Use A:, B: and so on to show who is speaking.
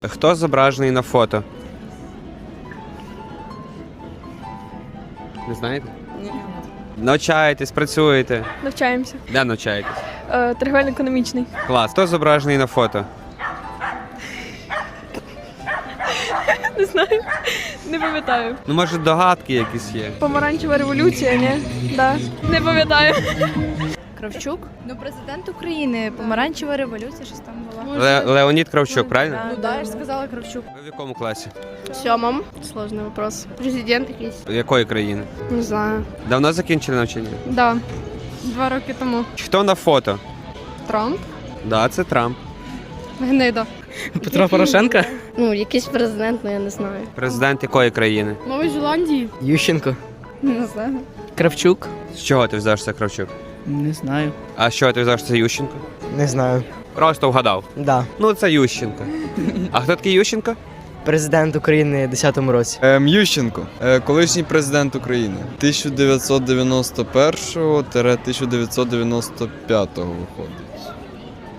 A: Хто зображений на фото? Не знаєте?
B: Ні.
A: Навчаєтесь, працюєте.
C: Навчаємося.
A: Де навчаєтесь?
C: Торговельно-економічний.
A: Клас. Хто зображений на фото?
C: Не знаю. Не пам'ятаю.
A: Ну, може, догадки якісь є?
C: Помаранчева революція, ні? Да. Не пам'ятаю.
D: Кравчук? Ну, президент України, помаранчева революція, щось там була.
A: Леонід Кравчук, правильно?
D: Ну да, я ж сказала Кравчук.
A: Ви в якому класі?
E: В сьомому. Сложний вопрос. Президент якийсь?
A: Якої країни?
E: Не знаю.
A: Давно закінчили навчання?
C: Да. 2 роки тому.
A: Хто на фото?
C: Трамп.
A: Да, це Трамп.
C: Гнида.
B: Петро Порошенко?
E: Ну, якийсь президент, але я не знаю.
A: Президент якої країни?
E: Нової Зеландії?
B: Ющенко?
E: Не знаю.
B: Кравчук?
A: З чого ти взяв, що це Кравчук?
B: Не знаю.
A: А з чого ти взяв, що це Ющенко?
F: Не знаю.
A: Просто вгадав.
F: Да.
A: Ну, це Ющенко. А хто такий Ющенко?
F: Президент України в 10-му році.
G: Ющенко, колишній президент України. 1991-1995 виходить.